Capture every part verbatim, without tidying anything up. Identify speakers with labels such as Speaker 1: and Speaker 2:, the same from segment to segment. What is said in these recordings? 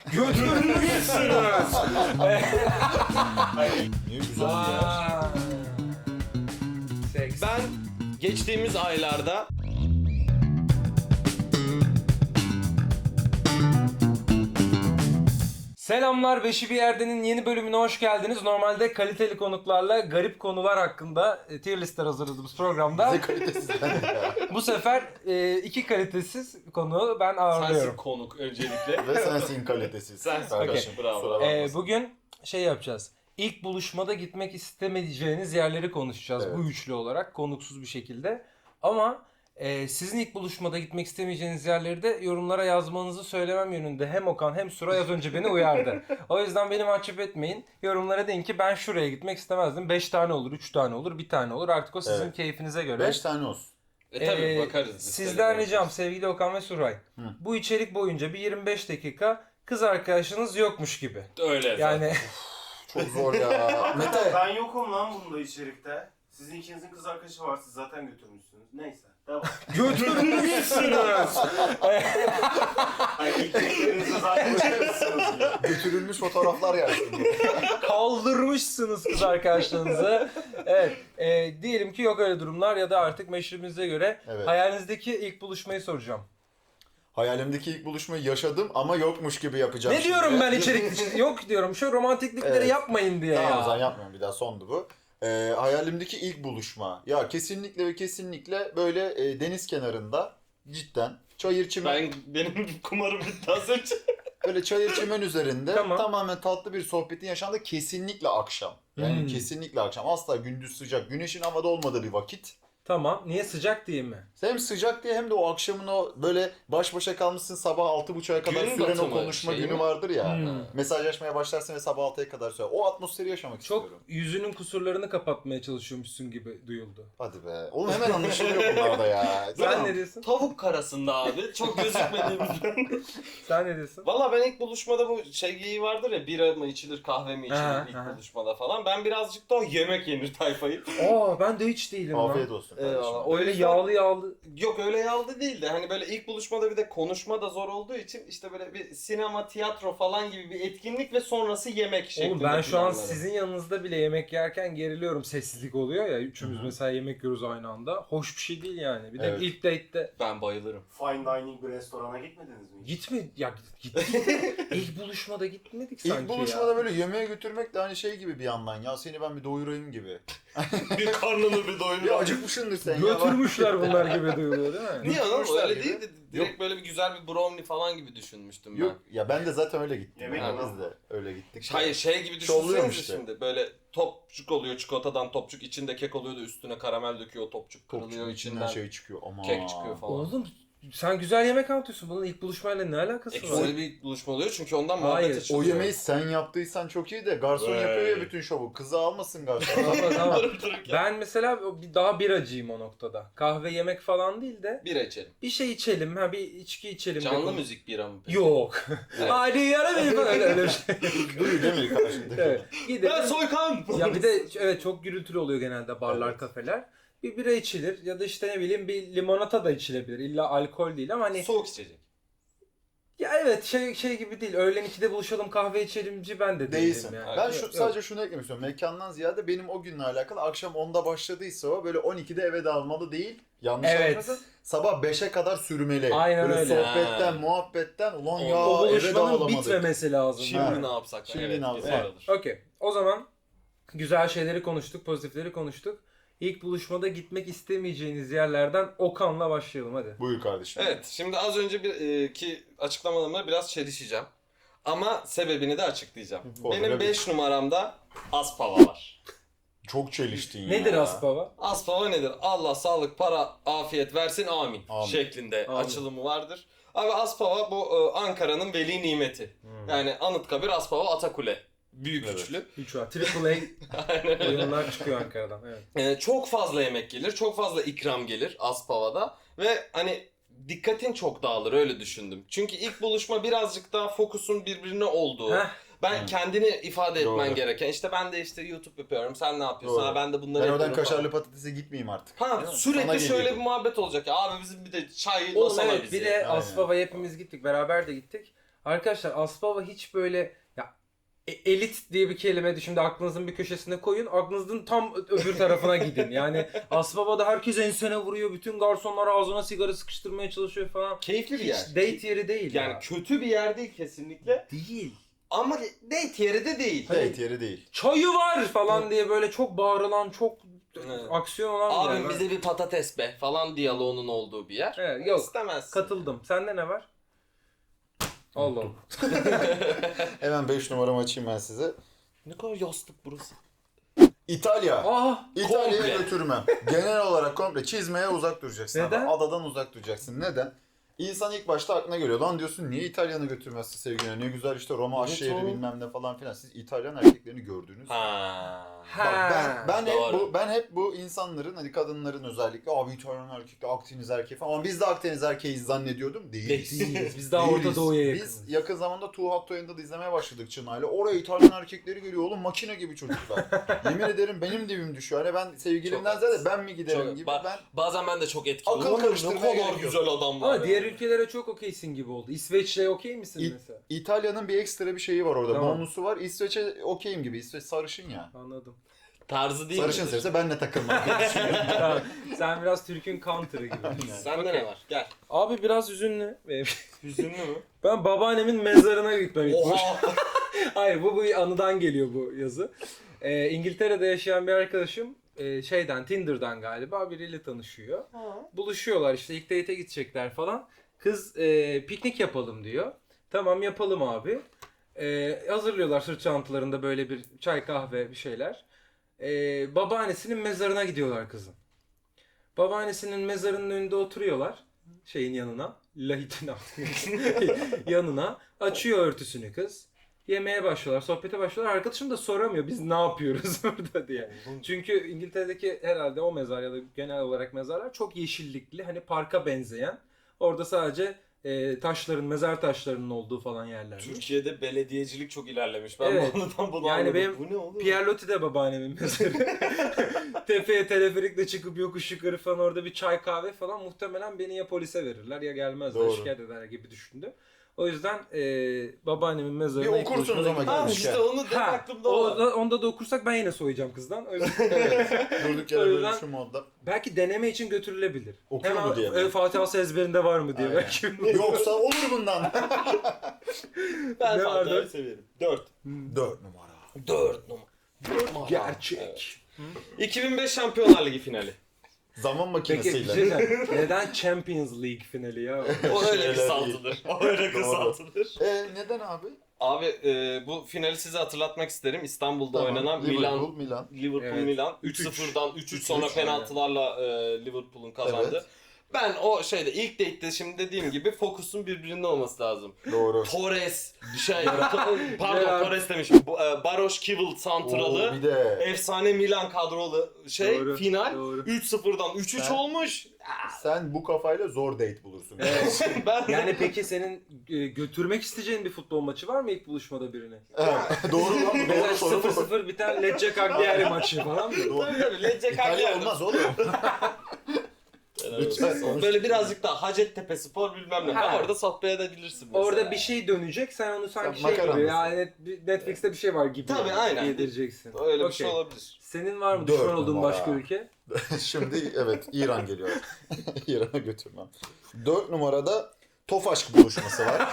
Speaker 1: Götürmüşsünüz.
Speaker 2: Niye güzel ya?
Speaker 1: Seks.
Speaker 3: Ben geçtiğimiz aylarda
Speaker 1: Selamlar, Beşi Bir Yerde'nin yeni bölümüne hoş geldiniz. Normalde kaliteli konuklarla garip konular hakkında e, tier listler hazırladığımız programda
Speaker 2: Bize kalitesizden ya.
Speaker 1: bu sefer e, iki kalitesiz konu ben
Speaker 3: sensin
Speaker 1: ağırlıyorum.
Speaker 3: konuk öncelikle.
Speaker 2: Ve sensin kalitesiz.
Speaker 3: Sensin.
Speaker 2: Kardeşim,
Speaker 3: Okey, bravo.
Speaker 2: kusura
Speaker 1: E,
Speaker 2: bakmasın.
Speaker 1: bugün şey yapacağız. İlk buluşmada gitmek istemeyeceğiniz yerleri konuşacağız
Speaker 2: Evet.
Speaker 1: bu üçlü olarak konuksuz bir şekilde. Ama e, sizin ilk buluşmada gitmek istemeyeceğiniz yerleri de yorumlara yazmanızı söylemem yönünde hem Okan hem Suray az önce beni uyardı. O yüzden beni mahcup etmeyin. Yorumlara deyin ki ben şuraya gitmek istemezdim. beş tane olur, üç tane olur, bir tane olur. Artık o sizin
Speaker 2: Evet.
Speaker 1: keyfinize göre.
Speaker 2: Beş tane olsun.
Speaker 3: E tabii
Speaker 1: Ee,
Speaker 3: bakarız. biz.
Speaker 1: Sizden
Speaker 3: Tabii
Speaker 1: ricam sevgili Okan ve Suray.
Speaker 2: Hı.
Speaker 1: Bu içerik boyunca bir yirmi beş dakika kız arkadaşınız yokmuş gibi.
Speaker 3: Öyle zaten.
Speaker 1: Yani
Speaker 2: Çok zor ya. Mete.
Speaker 4: Ben yokum lan bunda içerikte. Sizin ikinizin kız arkadaşı var, siz zaten götürmüşsünüz. Neyse, devam.
Speaker 1: götürmüşsünüz.
Speaker 4: Hayır, ilk gittiğinizde zaten götürmüşsünüz ya.
Speaker 2: Götürülmüş fotoğraflar gelsin.
Speaker 1: Kaldırmışsınız kız arkadaşlarınızı. Evet. E, diyelim ki yok öyle durumlar ya da artık meşrebinize göre
Speaker 2: Evet.
Speaker 1: hayalinizdeki ilk buluşmayı soracağım.
Speaker 2: Hayalimdeki ilk buluşmayı yaşadım ama yokmuş gibi yapacağım.
Speaker 1: Ne
Speaker 2: şimdi.
Speaker 1: diyorum ben içerik yok diyorum. Şu romantiklikleri
Speaker 2: Evet.
Speaker 1: yapmayın diye
Speaker 2: Tamam o
Speaker 1: ya.
Speaker 2: zaman yapmıyorum, bir daha sondu bu. Ee, hayalimdeki ilk buluşma. Ya kesinlikle ve kesinlikle böyle e, deniz kenarında cidden çayır çimen,
Speaker 3: Ben benim kumarım bitti az önce.
Speaker 2: böyle çayır çimen üzerinde
Speaker 1: Tamam.
Speaker 2: tamamen tatlı bir sohbetin yaşandığı, kesinlikle akşam. Yani
Speaker 1: Hmm.
Speaker 2: kesinlikle akşam. Asla gündüz sıcak, güneşin havada olmadığı bir vakit.
Speaker 1: Tamam. Niye sıcak değil mi?
Speaker 2: Hem sıcak diye hem de o akşamın o böyle baş başa kalmışsın, sabah altı buçuğa kadar
Speaker 3: Gün
Speaker 2: süren o
Speaker 3: batımı
Speaker 2: konuşma
Speaker 3: şey
Speaker 2: günü
Speaker 3: mi?
Speaker 2: vardır ya.
Speaker 1: Hmm.
Speaker 2: Mesajlaşmaya başlarsın ve sabah altıya kadar sürer. O atmosferi yaşamak
Speaker 1: Çok
Speaker 2: istiyorum.
Speaker 1: yüzünün kusurlarını kapatmaya çalışıyormuşsun gibi duyuldu.
Speaker 2: Hadi be. Oğlum hemen anlaşılıyor bunlarda ya.
Speaker 1: Sen ne diyorsun?
Speaker 3: Tavuk karasında abi. Çok gözükmediğimiz.
Speaker 1: Sen ne diyorsun?
Speaker 3: Valla ben ilk buluşmada bu şey geyiği vardır ya, bira mı içilir kahve mi içilir
Speaker 1: Aha,
Speaker 3: ilk
Speaker 1: aha.
Speaker 3: buluşmada falan. Ben birazcık daha yemek yenir tayfayı.
Speaker 1: Aa ben de hiç değilim lan.
Speaker 2: Afiyet olsun kardeşim.
Speaker 3: Eyvallah.
Speaker 1: Öyle
Speaker 3: O yüzden-
Speaker 1: yağlı yağlı.
Speaker 3: Yok öyle yaldı değil de hani böyle ilk buluşmada bir de konuşma da zor olduğu için işte böyle bir sinema, tiyatro falan gibi bir etkinlik ve sonrası yemek şeklinde.
Speaker 1: Oğlum ben şu an
Speaker 3: planlarım.
Speaker 1: sizin yanınızda bile yemek yerken geriliyorum. Sessizlik oluyor ya. Üçümüz
Speaker 2: Hı hı.
Speaker 1: mesela yemek yiyoruz aynı anda. Hoş bir şey değil yani. Bir de
Speaker 2: Evet.
Speaker 1: ilk date'te
Speaker 3: Ben bayılırım.
Speaker 4: Fine dining bir restorana gitmediniz mi? hiç?
Speaker 1: gitme ya gittik. İlk buluşmada gitmedik sanki
Speaker 2: İlk buluşmada
Speaker 1: ya.
Speaker 2: böyle yemeğe götürmek de hani şey gibi bir yandan, ya seni ben bir doyurayım gibi.
Speaker 3: Bir karnını bir doyurur.
Speaker 2: Bir acıkmışsındır sen ya.
Speaker 1: Götürmüşler bunlar gibi duyuluyor değil mi?
Speaker 3: Niye oğlum
Speaker 2: Götürmüşler
Speaker 3: öyle
Speaker 2: gibi.
Speaker 3: değil de direkt böyle bir güzel bir brownie falan gibi düşünmüştüm ben.
Speaker 2: Yok ya, ben de zaten öyle gittim.
Speaker 4: Yemek
Speaker 2: Yani
Speaker 4: adam.
Speaker 2: biz de öyle gittik.
Speaker 3: Hayır şey gibi
Speaker 2: Şovluyorum
Speaker 3: düşünsenize
Speaker 2: işte.
Speaker 3: şimdi böyle topçuk oluyor çikolatadan, topçuk içinde kek oluyor da üstüne karamel döküyor, o topçuk kırılıyor
Speaker 2: Topçunun içinden
Speaker 3: içinden
Speaker 2: şey çıkıyor. Aman.
Speaker 3: kek çıkıyor falan.
Speaker 1: Oğlum sen güzel yemek anlatıyorsun. Bunun ilk buluşmayla ne alakası
Speaker 3: E,
Speaker 1: var?
Speaker 3: güzel bir buluşma oluyor çünkü ondan
Speaker 1: Hayır,
Speaker 3: muhabbet
Speaker 2: O
Speaker 3: açılıyor.
Speaker 2: yemeği sen yaptıysan çok iyi de garson
Speaker 3: Vay.
Speaker 2: yapıyor ya bütün şovu. Kızı almasın garson.
Speaker 1: Tamam, tamam.
Speaker 3: Durup dururken
Speaker 1: Ben mesela bir- daha biracıyım o noktada. Kahve yemek falan değil de
Speaker 3: bira içelim.
Speaker 1: bir şey içelim, ha bir içki içelim.
Speaker 3: Canlı
Speaker 1: dedim.
Speaker 3: müzik bira mı peki?
Speaker 1: Yok.
Speaker 3: Evet.
Speaker 1: Hadi yara beni falan öyle öyle bir şey.
Speaker 2: Duruyor değil mi karşındaki?
Speaker 1: Evet. Gidelim.
Speaker 3: Ben soykan!
Speaker 1: Ya bir de evet çok gürültülü oluyor genelde barlar,
Speaker 2: Evet.
Speaker 1: kafeler. Bir bira içilir ya da işte ne bileyim bir limonata da içilebilir. İlla alkol değil ama hani
Speaker 3: Soğuk içecek.
Speaker 1: ya evet şey şey gibi değil. Öğlen ikide buluşalım kahve içelimci ben de değilim
Speaker 2: Değilsin.
Speaker 1: yani.
Speaker 2: Ben
Speaker 1: Yok,
Speaker 2: şu
Speaker 1: yok.
Speaker 2: sadece şunu eklemek istiyorum. Mekandan ziyade benim o günle alakalı akşam onda başladıysa o böyle on ikide eve dağılmalı değil. Yanlış
Speaker 1: Evet.
Speaker 2: anlamasın. Sabah beşe kadar sürmeli.
Speaker 1: Aynen
Speaker 2: böyle
Speaker 1: öyle.
Speaker 2: sohbetten,
Speaker 3: Ha.
Speaker 2: muhabbetten ulan
Speaker 3: O-
Speaker 2: ya
Speaker 1: o
Speaker 2: eve
Speaker 1: buluşmanın
Speaker 2: dağılamadık.
Speaker 1: bitmemesi lazım.
Speaker 3: Şimdi
Speaker 2: Ha.
Speaker 3: ne yapsak?
Speaker 2: Şimdi
Speaker 3: evet,
Speaker 2: ne yapsak?
Speaker 3: güzel
Speaker 2: Evet.
Speaker 3: olur.
Speaker 1: Okey. O zaman güzel şeyleri konuştuk, pozitifleri konuştuk. İlk buluşmada gitmek istemeyeceğiniz yerlerden Okan'la başlayalım hadi.
Speaker 2: Buyur kardeşim.
Speaker 3: Evet, şimdi az önce bir e, ki açıklamalarımla biraz çelişeceğim. Ama sebebini de açıklayacağım.
Speaker 2: Olur,
Speaker 3: Benim
Speaker 2: evet.
Speaker 3: beş numaramda Aspava var.
Speaker 2: Çok çeliştin ya.
Speaker 1: Nedir Aspava?
Speaker 3: Aspava nedir? Allah sağlık, para, afiyet versin amin,
Speaker 2: Amin.
Speaker 3: şeklinde
Speaker 1: Amin.
Speaker 3: açılımı vardır. Abi Aspava bu e, Ankara'nın veli nimeti. Yani Anıtkabir, Aspava, Atakule. Büyük
Speaker 2: Evet.
Speaker 3: üçlü.
Speaker 1: üç var. Triple
Speaker 3: Aynen
Speaker 1: A
Speaker 3: öyle.
Speaker 1: oyunlar çıkıyor Ankara'dan. Evet.
Speaker 3: Ee, çok fazla yemek gelir, çok fazla ikram gelir Aspava'da ve hani dikkatin çok dağılır öyle düşündüm. Çünkü ilk buluşma birazcık daha fokusun birbirine olduğu.
Speaker 1: Heh,
Speaker 3: Ben
Speaker 2: Hı.
Speaker 3: kendini ifade etmen
Speaker 2: Doğru.
Speaker 3: gereken. İşte ben de işte YouTube yapıyorum. Sen ne yapıyorsun?
Speaker 2: Doğru.
Speaker 3: Ha, ben de bunları
Speaker 2: Ben oradan
Speaker 3: yapıyorum
Speaker 2: kaşarlı
Speaker 3: falan.
Speaker 2: patatese gitmeyeyim artık.
Speaker 3: Ha
Speaker 2: Değil mi? Sana
Speaker 3: sürekli şöyle
Speaker 2: geliyor.
Speaker 3: bir muhabbet olacak ya. Abi bizim bir de çay
Speaker 1: Oğlum
Speaker 3: masana
Speaker 1: evet
Speaker 3: bizi.
Speaker 1: bir de
Speaker 2: Aynen.
Speaker 1: Aspava'ya hepimiz gittik. Beraber de gittik. Arkadaşlar Aspava hiç böyle ya e- elit diye bir kelime de şimdi aklınızın bir köşesine koyun. Aklınızın tam öbür tarafına gidin. Yani Aspava'da herkes ensene vuruyor. Bütün garsonlar ağzına sigara sıkıştırmaya çalışıyor falan.
Speaker 3: Keyifli bir
Speaker 1: Hiç
Speaker 3: yer.
Speaker 1: date yeri değil
Speaker 3: Yani
Speaker 1: ya.
Speaker 3: kötü bir yer değil kesinlikle.
Speaker 1: Değil.
Speaker 3: Ama date yeri de değil.
Speaker 2: Date yeri değil.
Speaker 1: Çayı var falan diye böyle çok bağırılan, çok
Speaker 3: Evet.
Speaker 1: aksiyon olan bir
Speaker 3: Abim
Speaker 1: yer.
Speaker 3: bize bir patates be falan diyaloğunun olduğu bir yer.
Speaker 1: Evet, yok.
Speaker 3: İstemezsin.
Speaker 1: Katıldım. Sende ne var? Allah Allah.
Speaker 2: Hemen beş numaramı açayım ben size.
Speaker 3: Ne kadar yastık burası.
Speaker 2: İtalya.
Speaker 1: Aa!
Speaker 2: İtalya'ya
Speaker 3: komple.
Speaker 2: götürmem. Genel olarak komple çizmeye uzak duracaksın. abi.
Speaker 1: Neden?
Speaker 2: Adadan uzak duracaksın. Neden? İnsan ilk başta aklına geliyor. Lan diyorsun niye İtalyan'ı götürmezsin sevgiline? Ne güzel işte Roma
Speaker 3: Evet
Speaker 2: aş şehri
Speaker 3: oğlum.
Speaker 2: bilmem ne falan filan. Siz İtalyan erkeklerini gördünüz.
Speaker 3: Ha.
Speaker 1: Ha.
Speaker 2: Bak ben ben hep
Speaker 3: Doğru.
Speaker 2: bu ben hep bu insanların hani kadınların özellikle abi İtalyan erkekler Akdeniz erkeği falan ama biz de Akdeniz erkeğiz zannediyordum. Değiliz.
Speaker 1: Değiliz. Biz daha
Speaker 2: Değiliz.
Speaker 1: Orta Doğu'ya yakınız.
Speaker 2: Biz yakın zamanda Too Hot to Handle izlemeye başladık Çınar'la. Oraya İtalyan erkekleri geliyor oğlum makine gibi çocuklar. Yemin ederim benim dibim düşüyor. Hani ben sevgilimden
Speaker 3: Çok
Speaker 2: ziyade ben mi giderim
Speaker 3: Çok-
Speaker 2: gibi.
Speaker 3: Ba-
Speaker 2: ben
Speaker 3: Bazen ben de çok etkileniyorum.
Speaker 2: Akıl
Speaker 3: Oğlum,
Speaker 2: karıştırmaya
Speaker 3: Ne kadar
Speaker 2: gerek yok.
Speaker 3: güzel adam var.
Speaker 1: Ama diğer
Speaker 3: ya.
Speaker 1: ülkelere çok okeysin gibi oldu. İsveç'le okey misin
Speaker 2: İ-
Speaker 1: mesela?
Speaker 2: İtalya'nın bir ekstra bir şeyi var orada.
Speaker 1: Tamam.
Speaker 2: Bonusu var. İsveç'e okeyim gibi. İsveç sarışın ya.
Speaker 1: Anladım.
Speaker 3: Tarzı değil
Speaker 2: Sarışın
Speaker 3: midir?
Speaker 2: sevse benle takılmam.
Speaker 1: Tamam. Sen biraz Türk'ün counter'ı gibi.
Speaker 3: Sende
Speaker 1: Okey.
Speaker 3: ne var? Gel.
Speaker 1: Abi biraz üzünlü. Benim-
Speaker 3: Hüzünlü mü?
Speaker 1: Ben babaannemin mezarına gitmem ilk baş.
Speaker 3: Oha!
Speaker 1: Hayır bu bu anıdan geliyor bu yazı. Ee, İngiltere'de yaşayan bir arkadaşım e, şeyden Tinder'dan galiba biriyle tanışıyor. Buluşuyorlar işte ilk date'e gidecekler falan. Kız e, piknik yapalım diyor. Tamam yapalım abi. E, hazırlıyorlar sırt çantalarında böyle bir çay kahve bir şeyler. E, babaannesinin mezarına gidiyorlar kızın. Babaannesinin mezarının önünde oturuyorlar. Şeyin yanına. Lahitin yanına. Açıyor örtüsünü kız. Yemeye başlıyorlar, sohbete başlıyorlar. Arkadaşım da soramıyor biz ne yapıyoruz burada diye. Çünkü İngiltere'deki herhalde o mezar ya da genel olarak mezarlar çok yeşillikli. Hani parka benzeyen. Orada sadece e, taşların, mezar taşlarının olduğu falan yerler.
Speaker 3: Türkiye'de belediyecilik çok ilerlemiş. Ben
Speaker 1: Evet.
Speaker 3: bu anıdan bunu
Speaker 1: Yani
Speaker 3: anladım.
Speaker 1: benim
Speaker 3: Bu ne oğlum?
Speaker 1: Pierre Loti de babaannemin mezarı. Tepeye teleferikle çıkıp yokuş yukarı falan orada bir çay kahve falan muhtemelen beni ya polise verirler ya gelmezler
Speaker 2: Doğru.
Speaker 1: şikayet ederler gibi düşündüm. O yüzden e, babaannemin mezarına
Speaker 2: Bir
Speaker 1: ilk
Speaker 2: okursunuz
Speaker 1: buluşmada
Speaker 2: ama
Speaker 1: gittim.
Speaker 3: Ha
Speaker 2: gelmişken.
Speaker 3: işte onu da
Speaker 1: Ha,
Speaker 3: aklımda
Speaker 1: o,
Speaker 3: var.
Speaker 1: onda da okursak ben yine soyacağım kızdan. O yüzden-
Speaker 2: Evet. Durduk yere
Speaker 1: O
Speaker 2: böyle
Speaker 1: yüzden-
Speaker 2: şu modda.
Speaker 1: belki deneme için götürülebilir.
Speaker 2: Okuyor
Speaker 1: Hemen,
Speaker 2: mu diye mi?
Speaker 1: e, Fatiha'sı ezberinde var mı diye
Speaker 2: Aynen.
Speaker 1: belki.
Speaker 2: Yoksa olur bundan.
Speaker 3: Ben
Speaker 1: Ne var
Speaker 3: Fatiha'yı
Speaker 1: dört?
Speaker 3: severim. Dört.
Speaker 2: Dört numara.
Speaker 3: Dört numara.
Speaker 1: Gerçek.
Speaker 3: Evet. iki bin beş Şampiyonlar Ligi finali.
Speaker 2: Zaman
Speaker 1: Peki bir
Speaker 2: makinesiyle.
Speaker 1: şey diyeceğim. Neden Champions League finali ya?
Speaker 3: O öyle
Speaker 2: Şeyler
Speaker 3: kısaltılır. O öyle
Speaker 2: Doğru.
Speaker 3: kısaltılır.
Speaker 2: E neden abi?
Speaker 3: Abi e, bu finali size hatırlatmak isterim. İstanbul'da
Speaker 2: Tamam,
Speaker 3: oynanan
Speaker 2: Liverpool,
Speaker 3: Milan
Speaker 2: Milan.
Speaker 3: Liverpool
Speaker 1: Evet.
Speaker 3: Milan
Speaker 1: üç
Speaker 3: üç
Speaker 1: üç.
Speaker 3: sıfırdan üç üç
Speaker 2: üç
Speaker 3: sonra
Speaker 2: üç,
Speaker 3: penaltılarla e, Liverpool'un kazandı.
Speaker 2: Evet.
Speaker 3: Ben o şeyde ilk date'de şimdi dediğim gibi fokusun birbirinde olması lazım.
Speaker 2: Doğru.
Speaker 3: Torres şey pardon
Speaker 1: Ya.
Speaker 3: Torres demişim. Bu, e, Baroş Kivil
Speaker 2: Oo,
Speaker 3: santralı
Speaker 2: bir de
Speaker 3: efsane Milan kadrolu şey
Speaker 1: Doğru,
Speaker 3: final
Speaker 1: doğru.
Speaker 3: üç sıfırdan üç üç
Speaker 2: Sen-
Speaker 3: olmuş.
Speaker 2: sen bu kafayla zor date bulursun.
Speaker 1: Evet.
Speaker 3: Ben
Speaker 1: Yani peki senin e, götürmek isteyeceğin bir futbol maçı var mı ilk buluşmada birini?
Speaker 2: Evet, doğru lan bu
Speaker 1: Mesela
Speaker 2: doğru soru
Speaker 1: sıfır
Speaker 2: bu.
Speaker 1: sıfır biten Lecce Cagliari maçı falan mı?
Speaker 2: Doğru.
Speaker 3: tabii tabii Lecce
Speaker 2: İtalya
Speaker 3: Cagliari.
Speaker 2: olmaz oğlum. Lütfen.
Speaker 3: Böyle birazcık daha Hacettepe Spor bilmem ne.
Speaker 1: Ha.
Speaker 3: Orada sohbet edebilirsin mesela.
Speaker 1: Orada bir şey dönecek sen onu sanki
Speaker 2: Sen
Speaker 1: şey gibi
Speaker 2: makaranlısın.
Speaker 1: yani Netflix'te bir şey var gibi
Speaker 3: Tabii, aynen.
Speaker 1: yedireceksin.
Speaker 3: Öyle bir
Speaker 1: Okey.
Speaker 3: şey olabilir.
Speaker 1: Senin var mı
Speaker 2: Dört
Speaker 1: düşman olduğun
Speaker 2: numara.
Speaker 1: başka ülke?
Speaker 2: Şimdi evet İran geliyor. İran'a götürmem. Dört numarada Tofaşk buluşması var.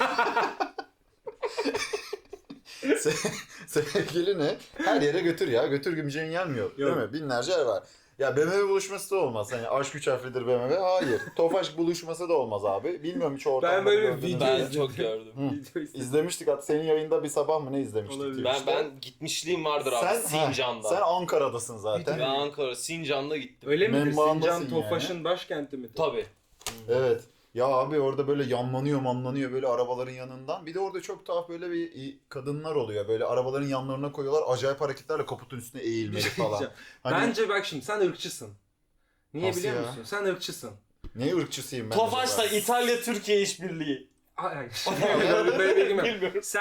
Speaker 2: Se- Sevgilini her yere götür ya. Götür gümceğin gelmiyor. Değil mi? Binlerce yer var. Ya B M W buluşması da olmaz. Hani aşk üç harflidir B M W. Hayır. Tofaşk buluşması da olmaz abi. Bilmiyorum hiç ortamda
Speaker 1: Ben böyle
Speaker 2: gördün mü?
Speaker 1: video
Speaker 3: Ben
Speaker 1: izledim.
Speaker 3: çok gördüm.
Speaker 2: Hı.
Speaker 1: Video izledim.
Speaker 2: İzlemiştik hatta senin yayında bir sabah mı ne izlemiştik?
Speaker 1: Olabilir.
Speaker 3: Ben
Speaker 2: Twitch'te.
Speaker 3: ben gitmişliğim vardır abi
Speaker 2: sen,
Speaker 3: Sincan'da.
Speaker 2: ha, sen Ankara'dasın zaten.
Speaker 3: Ben Ankara Sincan'da gittim.
Speaker 1: Öyle midir?
Speaker 2: Membandasın
Speaker 1: Sincan
Speaker 2: yani.
Speaker 1: Tofaş'ın başkenti midir?
Speaker 3: Tabii.
Speaker 2: Evet. Ya abi orada böyle yanlanıyor manlanıyor böyle arabaların yanından. Bir de orada çok tuhaf böyle bir kadınlar oluyor. Böyle arabaların yanlarına koyuyorlar. Acayip hareketlerle kaputun üstüne eğilmeli falan. Hani
Speaker 1: Bence bak şimdi sen ırkçısın. Niye
Speaker 2: Nasıl
Speaker 1: biliyor
Speaker 2: ya?
Speaker 1: musun? Sen ırkçısın.
Speaker 2: ne ırkçısıyım ben.
Speaker 3: Tofaş'ta
Speaker 2: acaba?
Speaker 3: İtalya Türkiye işbirliği.
Speaker 1: Ay, böyle, böyle bilgim yok.
Speaker 3: Bilmiyorum.
Speaker 1: Sen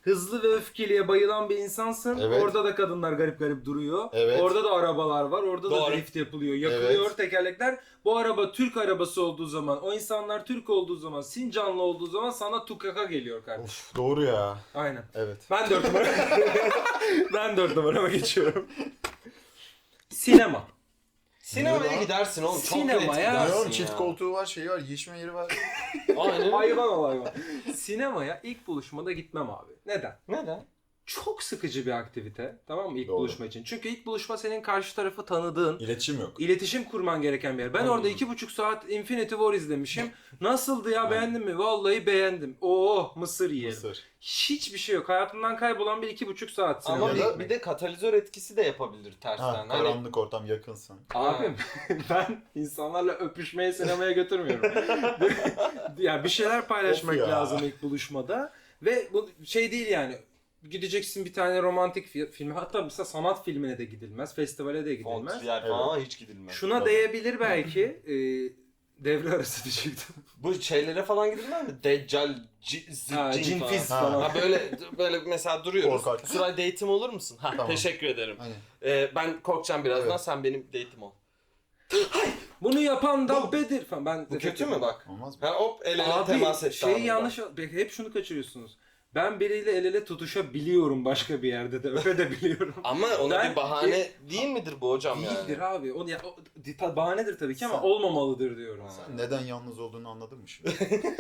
Speaker 1: hızlı ve öfkeliye bayılan bir insansın.
Speaker 2: Evet.
Speaker 1: Orada da kadınlar garip garip duruyor.
Speaker 2: Evet.
Speaker 1: Orada da arabalar var. Orada da
Speaker 3: Doğru.
Speaker 1: drift yapılıyor. Yakılıyor
Speaker 2: Evet.
Speaker 1: tekerlekler. Bu araba Türk arabası olduğu zaman, o insanlar Türk olduğu zaman, Sincanlı olduğu zaman sana tukaka geliyor kardeşim.
Speaker 2: Of doğru ya.
Speaker 1: Aynen.
Speaker 2: Evet.
Speaker 1: Ben dört numara. ben dört numarama geçiyorum. Sinema.
Speaker 3: Sinemaya
Speaker 2: lan?
Speaker 3: gidersin oğlum. Çok
Speaker 1: Sinemaya-
Speaker 3: net
Speaker 1: Ya,
Speaker 2: Ne
Speaker 3: gidersin
Speaker 2: oğlum
Speaker 3: ya.
Speaker 2: çift koltuğu var, şeyi var, yiyişme yeri var.
Speaker 3: Aynen.
Speaker 1: Hayvan ol hayvan. Sinemaya ilk buluşmada gitmem abi. Neden?
Speaker 3: Neden?
Speaker 1: Çok sıkıcı bir aktivite. Tamam mı ilk
Speaker 2: Doğru.
Speaker 1: buluşma için. Çünkü ilk buluşma senin karşı tarafı tanıdığın,
Speaker 2: İletişim yok.
Speaker 1: iletişim kurman gereken bir yer. Ben
Speaker 3: Hmm.
Speaker 1: orada iki buçuk saat Infinity War izlemişim. Nasıldı ya, beğendin mi? Vallahi beğendim. Oo, mısır yiyelim.
Speaker 2: Mısır.
Speaker 1: Hiçbir şey yok. Hayatımdan kaybolan bir iki buçuk saat sinema.
Speaker 3: Ama
Speaker 2: Ya
Speaker 3: bir,
Speaker 2: da-
Speaker 3: bir de katalizör etkisi de yapabilir tersten.
Speaker 2: Ha,
Speaker 3: Hani
Speaker 2: karanlık ortam, yakınsın.
Speaker 1: Abim ben insanlarla öpüşmeye sinemaya götürmüyorum. Ya bir şeyler paylaşmak
Speaker 2: Of ya.
Speaker 1: lazım ilk buluşmada. Ve bu şey değil yani. Gideceksin bir tane romantik fi- filme, hatta mesela sanat filmine de gidilmez, festivale de gidilmez.
Speaker 3: Fontriyer falan hiç gidilmez.
Speaker 1: Şuna
Speaker 2: Tabii.
Speaker 1: değebilir belki. e, devre arası diyecektim.
Speaker 3: Bu şeylere falan gidilmez mi? Deccal, c- z-
Speaker 1: Ha,
Speaker 3: cin,
Speaker 1: cin
Speaker 3: falan.
Speaker 1: fiz
Speaker 2: Ha.
Speaker 1: falan.
Speaker 3: Ha böyle böyle mesela duruyoruz.
Speaker 2: Korkak.
Speaker 3: Süray date'im olur musun? Ha
Speaker 2: Tamam.
Speaker 3: teşekkür ederim.
Speaker 2: Hani
Speaker 3: Ee, ben korkacağım birazdan,
Speaker 2: Evet.
Speaker 3: sen benim date'im ol.
Speaker 1: Bunu yapan da
Speaker 3: Bu-
Speaker 1: Bedir falan. Ben
Speaker 3: Bu kötü mü bak?
Speaker 2: olmaz mı?
Speaker 3: Ha hop el ele
Speaker 1: Abi
Speaker 3: temas etti.
Speaker 1: şey
Speaker 3: anında.
Speaker 1: yanlış, hep şunu kaçırıyorsunuz. Ben biriyle el ele tutuşabiliyorum başka bir yerde de, öpebiliyorum.
Speaker 3: Ama ona
Speaker 1: Ben-
Speaker 3: bir bahane değil midir bu hocam
Speaker 1: Değildir
Speaker 3: yani?
Speaker 1: abi. O, ya, o ta- bahanedir tabii ki ama
Speaker 2: Sen-
Speaker 1: olmamalıdır diyorum.
Speaker 2: Sen neden yalnız olduğunu anladın mı şimdi?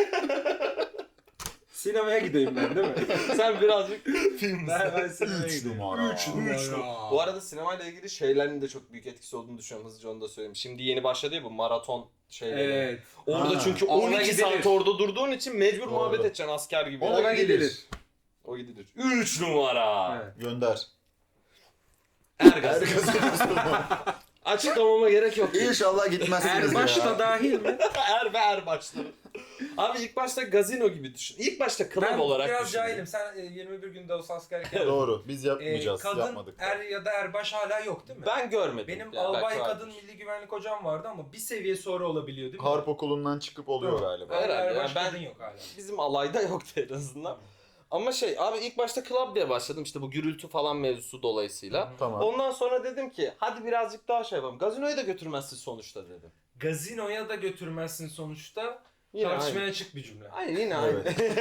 Speaker 1: Sinemaya gideyim ben değil mi?
Speaker 3: Sen birazcık
Speaker 1: ben, ben sinemaya
Speaker 2: Üç
Speaker 1: gideyim.
Speaker 2: numara.
Speaker 1: Üç
Speaker 2: Üç
Speaker 1: numara.
Speaker 3: Bu arada sinemayla ilgili şeylerin de çok büyük etkisi olduğunu düşünüyorum. Hızlıca onu da söyleyeyim. Şimdi yeni başladı ya bu maraton şeyleri.
Speaker 1: Evet.
Speaker 3: Orada
Speaker 2: Ha.
Speaker 3: çünkü
Speaker 1: Ona
Speaker 3: on iki
Speaker 1: gidilir.
Speaker 3: saat orada durduğun için mecbur
Speaker 2: Doğru.
Speaker 3: muhabbet edeceksin asker gibi.
Speaker 1: Ona gidilir.
Speaker 3: O gidilir. üç numara.
Speaker 1: Evet.
Speaker 2: Gönder.
Speaker 3: Ergaz.
Speaker 2: Herkes
Speaker 3: Açıklamama gerek yok.
Speaker 2: İnşallah gitmezsiniz
Speaker 1: Erbaş
Speaker 2: ya.
Speaker 1: da dahil mi?
Speaker 3: Er ve er başları. Abi ilk başta gazino gibi düşün. İlk başta club
Speaker 1: Ben
Speaker 3: olarak
Speaker 1: biraz
Speaker 3: düşün.
Speaker 1: cahilim. Sen e, yirmi bir günde olsa askerlik yaptın.
Speaker 2: Doğru. Biz
Speaker 1: E,
Speaker 2: yapmayacağız.
Speaker 1: kadın
Speaker 2: Yapmadık.
Speaker 1: er ya da erbaş hala yok değil mi?
Speaker 3: Ben görmedim.
Speaker 1: Benim
Speaker 3: Yani
Speaker 1: albay
Speaker 3: belki
Speaker 1: kadın
Speaker 3: vardır.
Speaker 1: milli güvenlik hocam vardı ama bir seviye sonra olabiliyor değil mi?
Speaker 2: Harp okulundan çıkıp oluyor
Speaker 1: Doğru.
Speaker 2: galiba.
Speaker 3: Herhalde
Speaker 1: Erbaş
Speaker 3: yani ben-
Speaker 1: kadın yok hala.
Speaker 3: Bizim alayda yoktu en azından. Ama şey abi ilk başta club diye başladım işte bu gürültü falan mevzusu dolayısıyla.
Speaker 2: Tamam.
Speaker 3: Ondan sonra dedim ki hadi birazcık daha şey yapalım. Gazinoyu da götürmezsin sonuçta dedim.
Speaker 1: Gazinoya da götürmezsin sonuçta.
Speaker 3: Yine
Speaker 1: Tartışmaya
Speaker 3: aynı.
Speaker 1: açık bir cümle.
Speaker 3: Hayır yine
Speaker 2: Evet.
Speaker 3: aynı.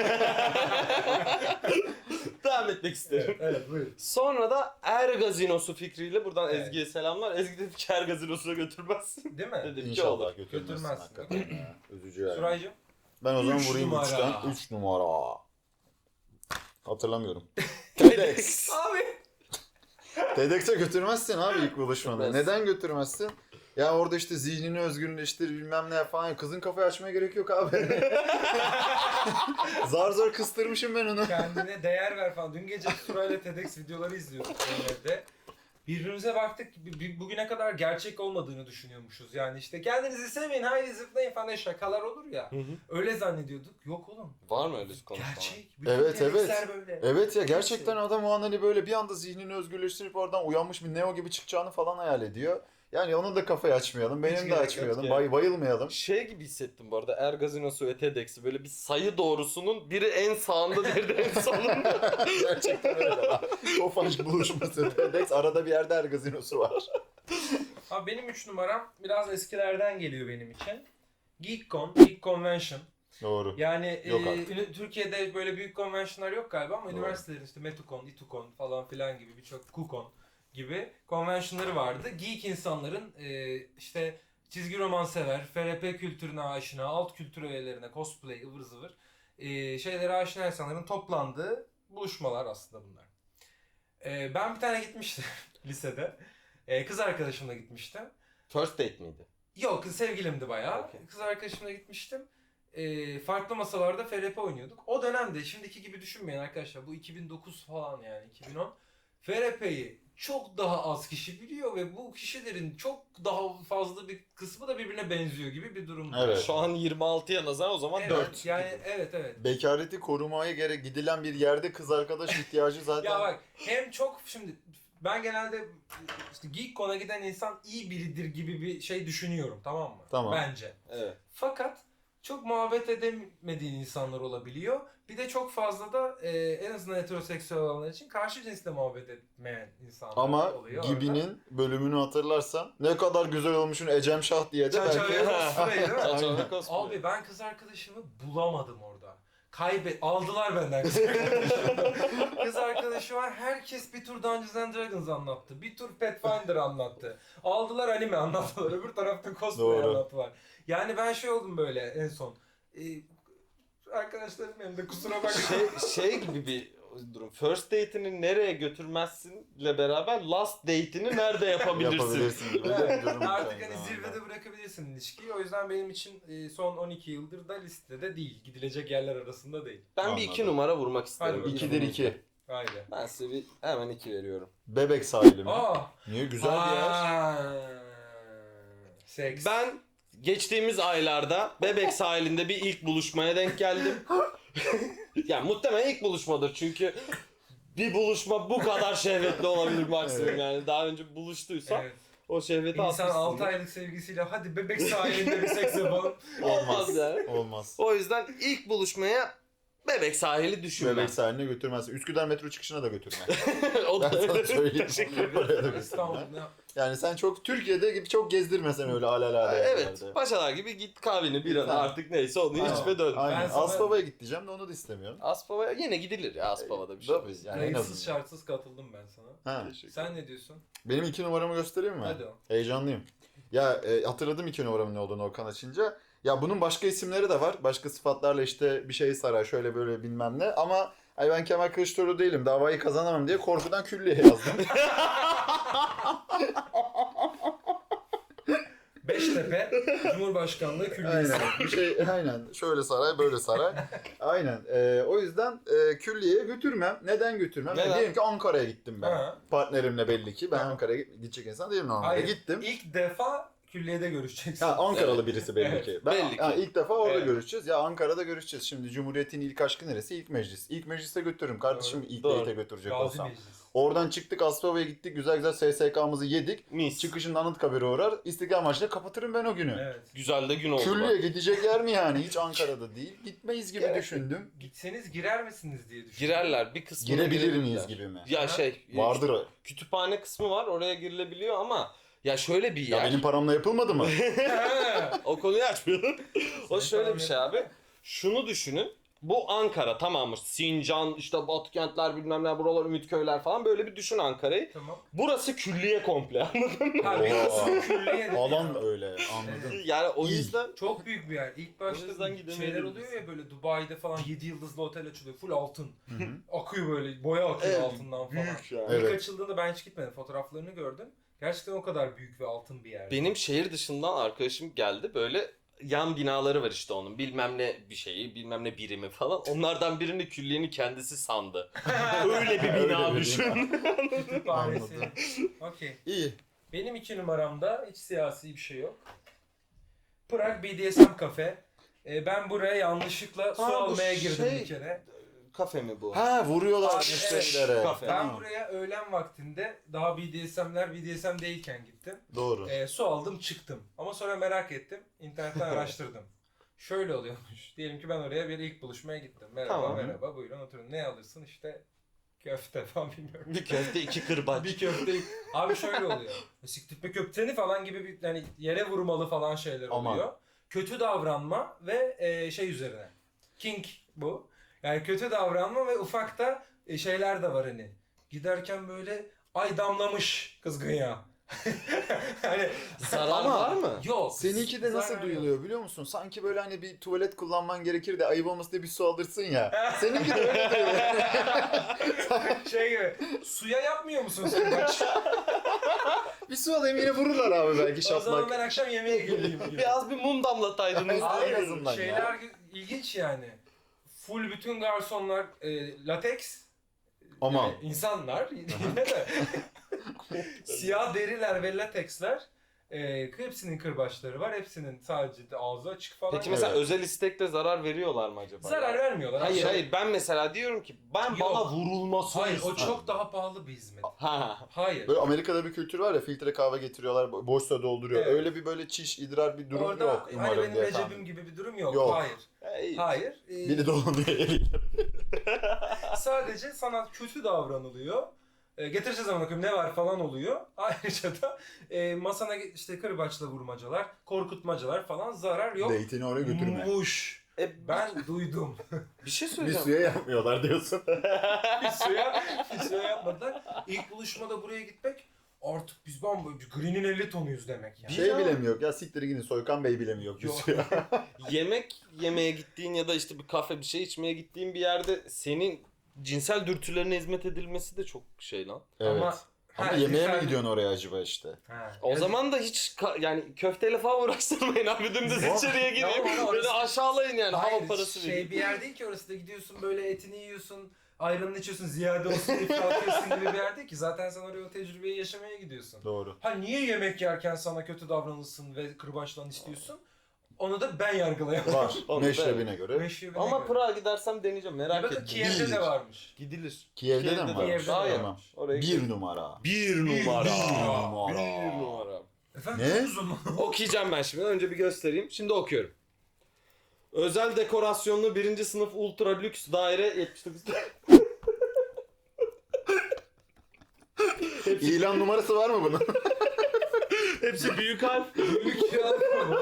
Speaker 3: Devam etmek isterim.
Speaker 1: Evet buyurun.
Speaker 3: Sonra da Er Gazinosu fikriyle buradan
Speaker 1: Evet.
Speaker 3: Ezgi'ye selamlar. Ezgi dedi ki Er Gazinosu'na götürmezsin.
Speaker 1: Değil mi?
Speaker 3: Dedim ki
Speaker 2: İnşallah
Speaker 3: olur.
Speaker 2: götürmezsin.
Speaker 1: Götürmezsin.
Speaker 2: Hakikaten ya. Üzücü yani.
Speaker 1: Suraycığım.
Speaker 2: Ben o zaman
Speaker 1: Üç
Speaker 2: vurayım
Speaker 1: numara.
Speaker 2: üçten. üç numara. Hatırlamıyorum. TEDx.
Speaker 1: Abi.
Speaker 2: TEDx'e götürmezsin abi ilk buluşmada.
Speaker 3: Götürmez.
Speaker 2: Neden götürmezsin? Ya orada işte zihnini özgürleştir bilmem ne falan. Kızın kafayı açmaya gerek yok abi. Zar zor kıstırmışım ben onu.
Speaker 1: Kendine değer ver falan. Dün gece Suray'la TEDx videoları izliyorduk evde. Birbirimize baktık. b- b- Bugüne kadar gerçek olmadığını düşünüyormuşuz. Yani işte kendinizi sevmeyin, haydi zıplayın falan şakalar olur ya.
Speaker 3: Hı hı.
Speaker 1: Öyle zannediyorduk. Yok oğlum.
Speaker 3: Var mı öyle konuşma?
Speaker 1: Gerçek. Bütün
Speaker 2: Evet,
Speaker 1: TEDx'ler
Speaker 2: evet.
Speaker 1: böyle.
Speaker 2: Evet ya gerçekten adam o an hani böyle bir anda zihnini özgürleştirip oradan uyanmış bir Neo gibi çıkacağını falan hayal ediyor. Yani onun da kafayı açmayalım,
Speaker 1: Hiç
Speaker 2: benim de
Speaker 1: gerek yok
Speaker 2: açmayalım,
Speaker 3: ya.
Speaker 2: bay, bayılmayalım.
Speaker 3: Şey gibi hissettim bu arada Er Gazinosu ve TEDx'i böyle bir sayı doğrusunun biri en sağında diğeri de en solunda.
Speaker 2: Gerçekten öyle. Tofaş buluşması TEDx arada bir yerde her gazinosu var.
Speaker 1: Abi benim üç numaram biraz eskilerden geliyor benim için. GeekCon, Geek Convention.
Speaker 2: Doğru.
Speaker 1: Yani
Speaker 2: Yok
Speaker 1: e,
Speaker 2: artık.
Speaker 1: ünü- Türkiye'de böyle büyük konvensiyonlar yok galiba ama
Speaker 2: Doğru.
Speaker 1: üniversitelerin işte Metukon, İtukon falan filan gibi birçok KuCon gibi konvensiyonları vardı. Geek insanların e, işte çizgi roman sever, F R P kültürüne aşina, alt kültür öğelerine, cosplay, ıvır zıvır e, şeylere aşina insanların toplandığı buluşmalar aslında bunlar. E, ben bir tane gitmiştim lisede. E, kız arkadaşımla gitmiştim.
Speaker 3: First date miydi?
Speaker 1: Yok, kız sevgilimdi bayağı.
Speaker 3: Okey.
Speaker 1: Kız arkadaşımla gitmiştim. Ee, farklı masalarda F R P oynuyorduk. O dönemde şimdiki gibi düşünmeyin arkadaşlar. Bu iki bin dokuz falan yani iki bin on. F R P'yi çok daha az kişi biliyor ve bu kişilerin çok daha fazla bir kısmı da birbirine benziyor gibi bir durum.
Speaker 2: Evet.
Speaker 3: Şu an yirmi altıya nazar o zaman
Speaker 1: Evet,
Speaker 3: dört.
Speaker 1: Yani evet evet.
Speaker 2: Bekareti korumaya gerek gidilen bir yerde kız arkadaş ihtiyacı zaten.
Speaker 1: Ya bak hem çok şimdi ben genelde işte GeekCon'a giden insan iyi biridir gibi bir şey düşünüyorum, tamam mı?
Speaker 2: Tamam.
Speaker 1: Bence.
Speaker 3: Evet.
Speaker 1: Fakat çok muhabbet edemediğin insanlar olabiliyor Bir de çok fazla da e, en azından heteroseksüel olanlar için karşı cinsle muhabbet etmeyen insanlar
Speaker 2: Ama
Speaker 1: oluyor.
Speaker 2: Gibi'nin bölümünü hatırlarsan ne kadar güzel olmuşsun Ecem Şah diye de
Speaker 1: Çerçeve
Speaker 2: belki...
Speaker 1: cosplay değil mi?
Speaker 3: Çerçeve cosplay.
Speaker 1: Abi ben kız arkadaşımı bulamadım orada. Kaybet aldılar benden kız arkadaşımı. Kız arkadaşı var. Herkes bir tur Dungeons and Dragons anlattı. Bir tur Pathfinder anlattı. Aldılar anime anlattılar. Öbür tarafta cosplay
Speaker 2: Doğru.
Speaker 1: anlattılar. Yani ben şey oldum böyle en son. Ee, arkadaşlarım benim de kusura bakma.
Speaker 3: şey, şey gibi bir durum. First date'ini nereye götürmezsinle beraber last date'ini nerede yapabilirsin?
Speaker 2: yapabilirsin gibi de bir durum.
Speaker 1: Artık
Speaker 2: aynı
Speaker 1: hani
Speaker 2: zamanda.
Speaker 1: zirvede bırakabilirsin ilişkiyi. O yüzden benim için e, son on iki yıldır da listede değil. Gidilecek yerler arasında değil.
Speaker 3: Ben
Speaker 2: Anladım.
Speaker 3: bir iki numara vurmak isterim.
Speaker 1: Hadi bakalım.
Speaker 2: İkidir iki.
Speaker 1: Haydi.
Speaker 3: Ben size bir hemen iki veriyorum.
Speaker 2: Bebek sahili mi?
Speaker 1: Aa!
Speaker 2: Niye? Güzel bir yer.
Speaker 1: Aa, Seks.
Speaker 3: Ben geçtiğimiz aylarda Bebek sahilinde bir ilk buluşmaya denk geldim. Yani muhtemelen ilk buluşmadır çünkü bir buluşma bu kadar şehvetli olabilir maksimum
Speaker 2: Evet.
Speaker 3: yani. Daha önce buluştuysa
Speaker 1: Evet.
Speaker 3: o şehveti
Speaker 1: İnsan
Speaker 3: atmışsındır.
Speaker 1: altı aylık sevgisiyle hadi bebek sahilinde bir seks yapalım.
Speaker 3: Olmaz yani.
Speaker 2: Olmaz.
Speaker 3: O yüzden ilk buluşmaya Bebek sahili düşünmem.
Speaker 2: Bebek sahiline götürmezsin. Üsküdar metro çıkışına da götürme.
Speaker 3: o
Speaker 2: Ben
Speaker 3: da
Speaker 2: sana söyleyeyim. Oraya da
Speaker 1: İstanbul.
Speaker 2: götürme. Yani sen çok Türkiye'de gibi çok gezdirmesen öyle alelade
Speaker 3: Evet.
Speaker 2: yerlerde.
Speaker 3: Paşalar gibi git kahveni biranı
Speaker 2: Tamam.
Speaker 3: artık neyse onu
Speaker 2: Aynen.
Speaker 3: iç ve dön.
Speaker 2: Aynen.
Speaker 1: Ben sana-
Speaker 2: Aspava'ya git diyeceğim de onu da istemiyorum.
Speaker 3: Aspava'ya yine gidilir ya Aspava'da bir şey.
Speaker 2: Tabii, yani en
Speaker 1: Kayıtsız
Speaker 2: azından.
Speaker 1: şartsız katıldım ben sana.
Speaker 2: Ha.
Speaker 1: Sen ne diyorsun?
Speaker 2: Benim iki numaramı göstereyim mi?
Speaker 1: Hadi o.
Speaker 2: Heyecanlıyım. Ya e, hatırladım iki numaramın ne olduğunu Okan açınca. Ya bunun başka isimleri de var. Başka sıfatlarla işte bir şey sarar şöyle böyle bilmem ne. Ama ay ben Kemal Kılıçdaroğlu değilim. Davayı kazanamam diye korkudan külliye yazdım.
Speaker 1: Beştepe Cumhurbaşkanlığı Külliyesi.
Speaker 2: Aynen. Bir şey aynen. Şöyle saray, böyle saray. Aynen. Ee, o yüzden e, külliyeye götürmem. Neden götürmem?
Speaker 3: Neden?
Speaker 2: Yani diyelim ki Ankara'ya gittim ben.
Speaker 1: Ha.
Speaker 2: Partnerimle belli ki. Ben
Speaker 1: Tamam.
Speaker 2: Ankara'ya gidecek insan değilim normalde.
Speaker 1: Hayır.
Speaker 2: Gittim.
Speaker 1: İlk defa külliyede görüşeceksin.
Speaker 2: Ha, Ankaralı
Speaker 3: Evet.
Speaker 2: birisi belli
Speaker 1: Evet.
Speaker 2: ki. Ben,
Speaker 3: Belli ki.
Speaker 2: ha, ilk defa orada
Speaker 1: Evet.
Speaker 2: görüşeceğiz. Ya Ankara'da görüşeceğiz. Şimdi Cumhuriyet'in ilk aşkı neresi? İlk meclis. İlk meclise götürürüm. Kardeşim
Speaker 1: Doğru.
Speaker 2: ilk
Speaker 3: Doğru.
Speaker 2: date'e götürecek
Speaker 1: Gazi
Speaker 2: olsam.
Speaker 1: Meclis.
Speaker 2: Oradan çıktık Aspava'ya gittik. Güzel güzel S S K'mızı yedik.
Speaker 3: Mis.
Speaker 2: Çıkışında Anıtkabir'e uğrar. İstiklal Marşı'yla kapatırım ben o günü.
Speaker 1: Evet.
Speaker 3: Güzel de gün oldu.
Speaker 2: Külliye
Speaker 3: bak.
Speaker 2: gidecek yer mi yani? Hiç Ankara'da değil. Gitmeyiz gibi
Speaker 3: Gerek yok.
Speaker 2: düşündüm.
Speaker 1: Gitseniz girer misiniz diye düşündüm.
Speaker 3: Girerler bir kısmı
Speaker 2: Girebilir miyiz gibi mi?
Speaker 3: Ya
Speaker 1: Ha?
Speaker 3: şey
Speaker 2: Vardır o.
Speaker 3: kütüphane kısmı var oraya girilebiliyor ama ya şöyle bir
Speaker 2: Ya
Speaker 3: yer.
Speaker 2: benim paramla yapılmadı mı?
Speaker 3: O konuyu açmıyorum. o
Speaker 1: Senin
Speaker 3: şöyle
Speaker 1: paran
Speaker 3: bir şey abi. Şunu düşünün. Bu Ankara tamamı. Sincan, işte Batı kentler bilmem ne buralar Ümitköyler falan böyle bir düşün Ankara'yı.
Speaker 1: Tamam.
Speaker 3: Burası külliye komple.
Speaker 1: Ha bir
Speaker 2: Oha.
Speaker 1: kısmı külliye.
Speaker 2: Alan öyle anladım.
Speaker 3: yani o
Speaker 2: İyi.
Speaker 3: yüzden
Speaker 1: Çok büyük bir yer. İlk
Speaker 3: O
Speaker 1: başta
Speaker 3: yüzden gidemeyebiliriz.
Speaker 1: şeyler oluyor ya böyle Dubai'de falan yedi yıldızlı otel açılıyor. Full altın.
Speaker 2: Hı hı.
Speaker 1: Akıyor böyle. Boya akıyor
Speaker 3: Evet,
Speaker 1: altından falan.
Speaker 3: büyük yani.
Speaker 2: Evet.
Speaker 1: İlk açıldığında ben hiç gitmedim. Fotoğraflarını gördüm. Gerçekten o kadar büyük ve altın bir yer.
Speaker 3: benim şehir dışından arkadaşım geldi böyle yan binaları var işte onun bilmem ne bir şeyi bilmem ne birimi falan onlardan birini külliyenin kendisi sandı. Öyle bir
Speaker 2: Öyle
Speaker 3: bina
Speaker 2: bir
Speaker 3: düşün.
Speaker 1: Kütüphanesi.
Speaker 2: Anladım.
Speaker 1: Okey.
Speaker 2: İyi.
Speaker 1: Benim iki numaramda hiç siyasi bir şey yok. Prag B D S M kafe. Ee, ben buraya yanlışlıkla su
Speaker 3: Ha, bu
Speaker 1: almaya girdim
Speaker 3: şey-
Speaker 1: bir kere.
Speaker 3: Kafe mi bu?
Speaker 2: Ha vuruyorlar
Speaker 1: Abi,
Speaker 2: müşterilere.
Speaker 3: kafe.
Speaker 1: Ben
Speaker 2: Tamam.
Speaker 1: buraya öğlen vaktinde daha B D S M'ler B D S M değilken gittim.
Speaker 2: Doğru.
Speaker 1: Ee, su aldım çıktım. Ama sonra merak ettim. İnternetten araştırdım. Şöyle oluyormuş. Diyelim ki ben oraya bir ilk buluşmaya gittim. Merhaba
Speaker 3: Tamam.
Speaker 1: merhaba buyurun oturun. Ne alırsın işte köfte falan bilmiyorum.
Speaker 3: Bir köfte iki kırbaç.
Speaker 1: Bir köfte. Abi şöyle oluyor. Siktirtme köfteni falan gibi bir hani yere vurmalı falan şeyler
Speaker 2: Aman.
Speaker 1: oluyor. Kötü davranma ve e, şey üzerine. King bu. Yani kötü davranma ve ufakta e, şeyler de var hani. Giderken böyle ay damlamış kızgın yağ. hani
Speaker 3: Zarar
Speaker 2: Ama-
Speaker 3: var mı?
Speaker 1: yok.
Speaker 2: Seninki de nasıl
Speaker 1: zarar
Speaker 2: duyuluyor biliyor musun? Sanki böyle hani bir tuvalet kullanman gerekir de ayıp olmasın diye bir su alırsın ya. Seninki de öyle duyuluyor.
Speaker 1: yok. Şey gibi. Suya yapmıyor musun sen maç?
Speaker 2: Bir su alayım yine vururlar abi belki
Speaker 1: O zaman
Speaker 2: şaplak.
Speaker 1: ben akşam yemeğe geleyim. gibi.
Speaker 3: Biraz bir mum damlataydınız.
Speaker 2: Abi,
Speaker 1: Abi,
Speaker 2: en azından ya.
Speaker 1: şeyler ilginç yani. Full bütün garsonlar e, lateks.
Speaker 2: Aman.
Speaker 1: Yani insanlar yine de siyah deriler ve lateksler. E, hepsinin kırbaçları var. Hepsinin sadece de ağzı açık falan.
Speaker 3: Peki mesela
Speaker 2: Evet.
Speaker 3: özel istekle zarar veriyorlar mı acaba?
Speaker 1: zarar vermiyorlar.
Speaker 3: Hayır
Speaker 1: Aşağı-
Speaker 3: hayır ben mesela diyorum ki ben
Speaker 1: Yok.
Speaker 3: bana vurulmasını
Speaker 1: Hayır o
Speaker 3: istiyorum.
Speaker 1: çok daha pahalı bir hizmet.
Speaker 3: Ha.
Speaker 1: Hayır.
Speaker 2: Böyle Amerika'da bir kültür var ya filtre kahve getiriyorlar bo- boş su dolduruyor.
Speaker 1: Evet.
Speaker 2: Öyle bir böyle çiş idrar bir durum
Speaker 1: Orada
Speaker 2: yok
Speaker 1: hani
Speaker 2: umarım
Speaker 1: benim
Speaker 2: diye
Speaker 1: Recep'im
Speaker 2: tahmin.
Speaker 1: gibi bir durum yok.
Speaker 2: Yok.
Speaker 1: Hayır.
Speaker 3: İyi.
Speaker 1: Hayır. E,
Speaker 2: Biri dolanıyor eliyle.
Speaker 1: Sadece sana kötü davranılıyor. E, getireceğiz ama bakayım ne var falan oluyor. Ayrıca da e, masana işte kırbaçla vurmacalar, korkutmacalar falan zarar yok.
Speaker 2: Date'ini oraya götürme.
Speaker 1: Muş.
Speaker 3: E,
Speaker 1: Ben duydum.
Speaker 3: bir şey
Speaker 2: Bir
Speaker 3: söyleyeceğim.
Speaker 2: suya yapmıyorlar diyorsun.
Speaker 1: bir suya, bir suya yapmadılar. İlk buluşmada buraya gitmek artık biz bambaşka Green'in elli tonuyuz demek yani.
Speaker 2: Şey
Speaker 3: Ya.
Speaker 2: bile mi yok ya, siktir gidin, Soykan Bey bile mi yok bir
Speaker 1: Yok.
Speaker 2: suya?
Speaker 3: Yemek yemeye gittiğin ya da işte bir kafe bir şey içmeye gittiğin bir yerde senin cinsel dürtülerine hizmet edilmesi de çok şey lan.
Speaker 2: Evet.
Speaker 1: Ama,
Speaker 2: Ama
Speaker 1: ha,
Speaker 2: yemeğe mi
Speaker 1: güzel-
Speaker 2: gidiyorsun oraya acaba işte?
Speaker 1: Ha,
Speaker 3: O
Speaker 1: ya-
Speaker 3: zaman da hiç ka- yani köfteyle falan uğraştırmayın abi, dümdüz
Speaker 2: Ama-
Speaker 3: içeriye
Speaker 1: Ya
Speaker 3: gireyim.
Speaker 1: ama
Speaker 3: Beni
Speaker 1: orası-
Speaker 3: aşağılayın yani,
Speaker 1: Hayır,
Speaker 3: hava parası
Speaker 1: şey
Speaker 3: vereyim.
Speaker 1: bir yer değil ki orası da gidiyorsun böyle etini yiyorsun, ayranını içiyorsun, ziyade olsun diye kalkıyorsun gibi bir yer değil ki. Zaten sen oraya o tecrübeyi yaşamaya gidiyorsun.
Speaker 2: Doğru.
Speaker 1: Ha niye yemek yerken sana kötü davranılsın ve kırbaçlan istiyorsun? Onu da ben yargılayamam.
Speaker 2: Var.
Speaker 3: Onu da-
Speaker 2: Meşrebine göre.
Speaker 1: Meşrebine
Speaker 3: Ama
Speaker 1: göre.
Speaker 3: Prag'a gidersem deneyeceğim,
Speaker 1: Ya
Speaker 3: merak
Speaker 1: da
Speaker 3: ettim.
Speaker 1: Kiev'de
Speaker 2: Bir.
Speaker 1: de varmış.
Speaker 3: Gidilir.
Speaker 2: Kiev'de de mi
Speaker 3: Kiev'de
Speaker 2: var?
Speaker 1: Kiev'de de
Speaker 3: Aa, ya.
Speaker 2: Tamam.
Speaker 3: Oraya
Speaker 2: Bir
Speaker 3: gidelim.
Speaker 2: numara.
Speaker 3: Bir numara.
Speaker 2: Bir numara.
Speaker 3: Bir numara.
Speaker 1: Efendim
Speaker 2: Ne?
Speaker 1: çok uzun mu?
Speaker 3: Okuyacağım ben şimdi. Önce bir göstereyim. Şimdi okuyorum. Özel dekorasyonlu birinci sınıf ultra lüks daire yetmiş dokuz.
Speaker 2: İlan numarası var mı bunun?
Speaker 3: Hepsi büyük harf.
Speaker 1: Büyük ya.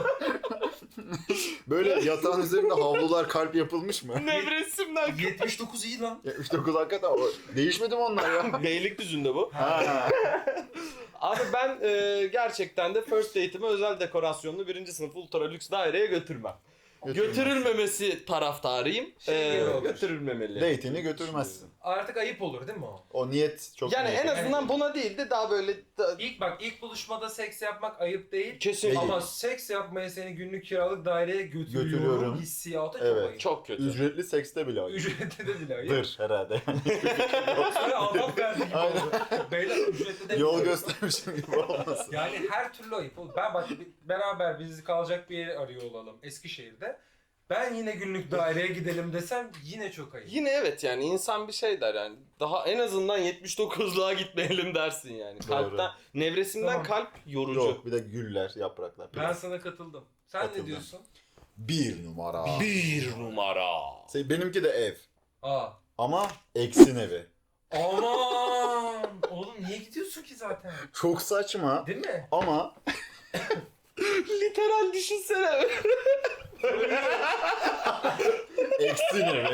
Speaker 2: Böyle yatağın üzerinde havlular kalp yapılmış mı?
Speaker 3: Nevresimden.
Speaker 1: yetmiş dokuz iyi lan.
Speaker 2: yetmiş dokuz hakikaten o. Değişmedi mi onlar ya?
Speaker 3: Beylikdüzü'nde bu.
Speaker 2: Ha.
Speaker 3: Abi ben e, gerçekten de first date'imi özel dekorasyonlu birinci sınıf ultra lüks daireye götürmem. Götürülmemesi taraftarıyım.
Speaker 1: Şey gibi
Speaker 3: Ee,
Speaker 1: olur.
Speaker 3: götürülmemeli.
Speaker 2: Date'ini götürmezsin.
Speaker 1: Artık ayıp olur değil mi o?
Speaker 2: O niyet çok
Speaker 3: Yani
Speaker 2: niyet.
Speaker 3: en azından buna değil de daha böyle da-
Speaker 1: İlk bak ilk buluşmada seks yapmak ayıp değil.
Speaker 3: kesin
Speaker 2: Değil.
Speaker 1: Ama seks yapmaya seni günlük kiralık daireye götürüyorum,
Speaker 2: Götürüyorum.
Speaker 1: hissiyatı çok
Speaker 2: Evet.
Speaker 1: ayıp.
Speaker 3: çok kötü.
Speaker 2: Ücretli sekste bile ayıp.
Speaker 1: Ücretli de bile ayıp.
Speaker 2: Dır herhalde.
Speaker 1: Sonra Allah verdi gibi
Speaker 2: Aynen.
Speaker 1: oldu. Beyler ücretli de
Speaker 2: Yol
Speaker 1: bile ayıp.
Speaker 2: göstermişim gibi olmasın.
Speaker 1: Yani her türlü ayıp olur. Ben bak bir- beraber bizi kalacak bir yer arıyor olalım Eskişehir'de. Ben yine günlük daireye gidelim desem yine çok ayıp.
Speaker 3: Yine evet, yani insan bir şey der yani. Daha en azından yetmiş dokuzluğa gitmeyelim dersin yani.
Speaker 2: Doğru.
Speaker 3: Kalpten, nevresimden
Speaker 1: Tamam.
Speaker 3: kalp yorucu.
Speaker 2: Yok, bir de güller, yapraklar.
Speaker 1: Ben sana katıldım. Sen
Speaker 2: Katıldım.
Speaker 1: ne diyorsun?
Speaker 2: Bir numara.
Speaker 3: Bir numara.
Speaker 2: Şey, benimki de ev.
Speaker 1: Aa.
Speaker 2: Ama eksin evi.
Speaker 1: Aman! Oğlum niye gidiyorsun ki zaten?
Speaker 2: Çok saçma
Speaker 1: Değil mi?
Speaker 2: ama
Speaker 3: Literal düşünsene.
Speaker 2: eksin evi.